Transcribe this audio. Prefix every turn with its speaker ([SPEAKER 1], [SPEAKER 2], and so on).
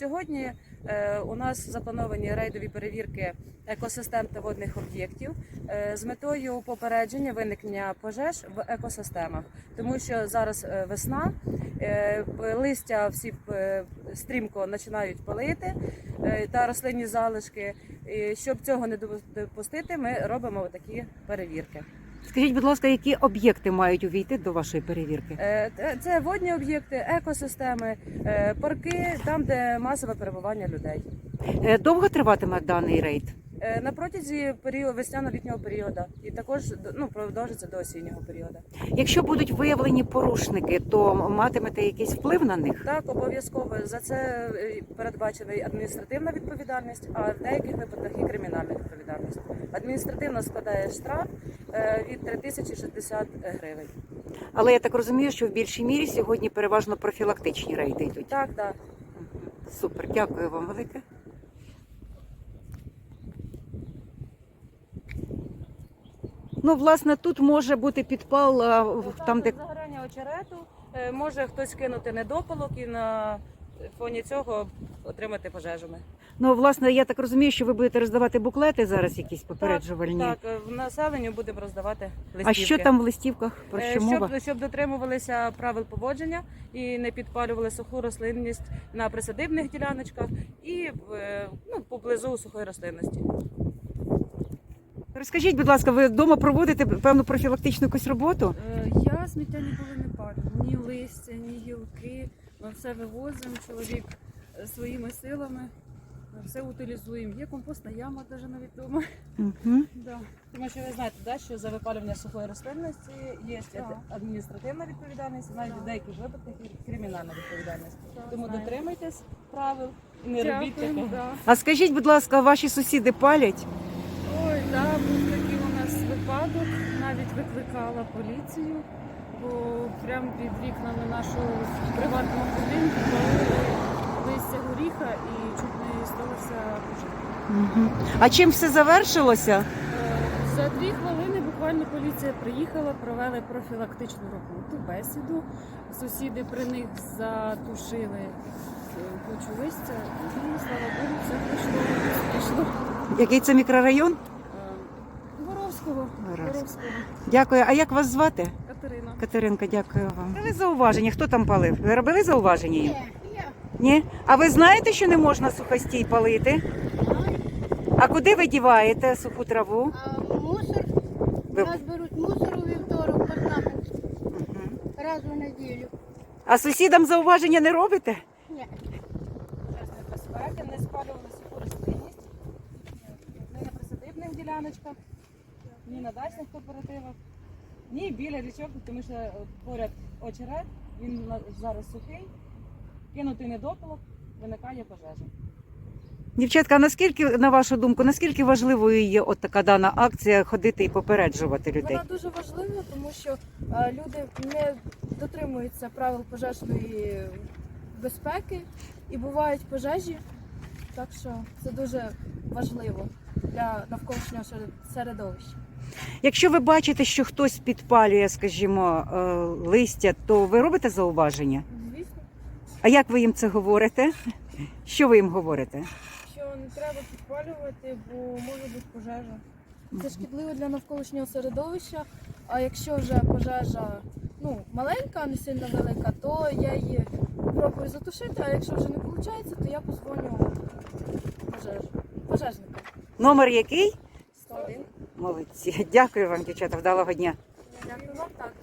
[SPEAKER 1] Сьогодні у нас заплановані рейдові перевірки екосистем та водних об'єктів з метою попередження виникнення пожеж в екосистемах. Тому що зараз весна, листя всі стрімко починають палити та рослинні залишки. І щоб цього не допустити, ми робимо такі перевірки.
[SPEAKER 2] Скажіть, будь ласка, які об'єкти мають увійти до вашої перевірки?
[SPEAKER 1] Це водні об'єкти, екосистеми, парки, там, де масове перебування людей.
[SPEAKER 2] Довго триватиме даний рейд?
[SPEAKER 1] На протязі весняно-літнього періоду і також продовжиться до осіннього періоду.
[SPEAKER 2] Якщо будуть виявлені порушники, то матимете якийсь вплив на них?
[SPEAKER 1] Так, обов'язково. За це передбачена і адміністративна відповідальність, а в деяких випадках і кримінальна відповідальність. Адміністративна складає штраф від 3060 гривень.
[SPEAKER 2] Але я так розумію, що в більшій мірі сьогодні переважно профілактичні рейди йдуть.
[SPEAKER 1] Так, так.
[SPEAKER 2] Супер, дякую вам велике. Ну, власне, тут може бути підпал там, де...
[SPEAKER 1] Загорання очерету, може хтось кинути недопалок і на фоні цього отримати пожежами.
[SPEAKER 2] Ну, власне, я так розумію, що ви будете роздавати буклети зараз якісь попереджувальні.
[SPEAKER 1] Так, в населенню будемо роздавати листівки.
[SPEAKER 2] А що там в листівках? Про що мова?
[SPEAKER 1] Щоб дотримувалися правил поводження і не підпалювали суху рослинність на присадибних діляночках і поблизу сухої рослинності.
[SPEAKER 2] Розкажіть, будь ласка, ви вдома проводите певну профілактичну якусь роботу?
[SPEAKER 3] Я сміття ніколи не палю. Ні листя, ні гілки. Ми все вивозимо, чоловік своїми силами. Все утилізуємо. Є компостна яма навіть вдома.
[SPEAKER 2] Угу.
[SPEAKER 3] Да.
[SPEAKER 1] Тому що ви знаєте, що за випалювання сухої рослинності є адміністративна відповідальність, навіть в деяких випадках і кримінальна відповідальність. Тому дотримуйтесь правил і не робіть такого.
[SPEAKER 3] Да.
[SPEAKER 2] А скажіть, будь ласка, ваші сусіди палять?
[SPEAKER 3] Ой, да, був такий у нас випадок. Навіть викликала поліцію, бо прямо під вікнами нашого приватного будинку палили листя горіха і чуть не сталося пожежа.
[SPEAKER 2] Угу. А чим все завершилося?
[SPEAKER 3] За 2 хвилини буквально поліція приїхала, провели профілактичну роботу, бесіду. Сусіди при них затушили кучу листя і, слава Богу, все пройшло.
[SPEAKER 2] Який це мікрорайон?
[SPEAKER 3] Воровського.
[SPEAKER 2] Дякую. А як вас звати?
[SPEAKER 3] Катерина.
[SPEAKER 2] Катеринка, дякую вам. Робили зауваження. Хто там палив? Ви робили зауваження їм? Ні. А ви знаєте, що не можна сухостій палити? А куди ви діваєте суху траву?
[SPEAKER 4] Мусор. У нас беруть мусор у вівторок, парламент. Раз у неділю.
[SPEAKER 2] А сусідам зауваження не робите?
[SPEAKER 4] Ні.
[SPEAKER 1] Безпеки, не спалювали суху рослинність, ні на присадибних діляночках, ні на дачних кооперативах, ні біля річок, тому що поряд очерет, він зараз сухий, кинутий недопалок, виникає пожежа.
[SPEAKER 2] Дівчатка, а наскільки, на вашу думку, наскільки важливою є от така дана акція ходити і попереджувати людей?
[SPEAKER 3] Вона дуже важлива, тому що люди не дотримуються правил пожежної безпеки і бувають пожежі, так що це дуже важливо для навколишнього середовища.
[SPEAKER 2] Якщо ви бачите, що хтось підпалює, скажімо, листя, то ви робите зауваження?
[SPEAKER 3] Звісно,
[SPEAKER 2] А як ви їм це говорите? Що ви їм говорите?
[SPEAKER 3] що не треба підпалювати, бо може бути пожежа. Це шкідливо для навколишнього середовища, а якщо вже пожежа маленька, а не сильно велика, то я її пробую затушити, а якщо вже не виходить, то я позвоню пожежникам.
[SPEAKER 2] Номер який?
[SPEAKER 3] 101.
[SPEAKER 2] Молодці. Дякую вам, дівчата, вдалого дня.
[SPEAKER 3] Дякую вам так.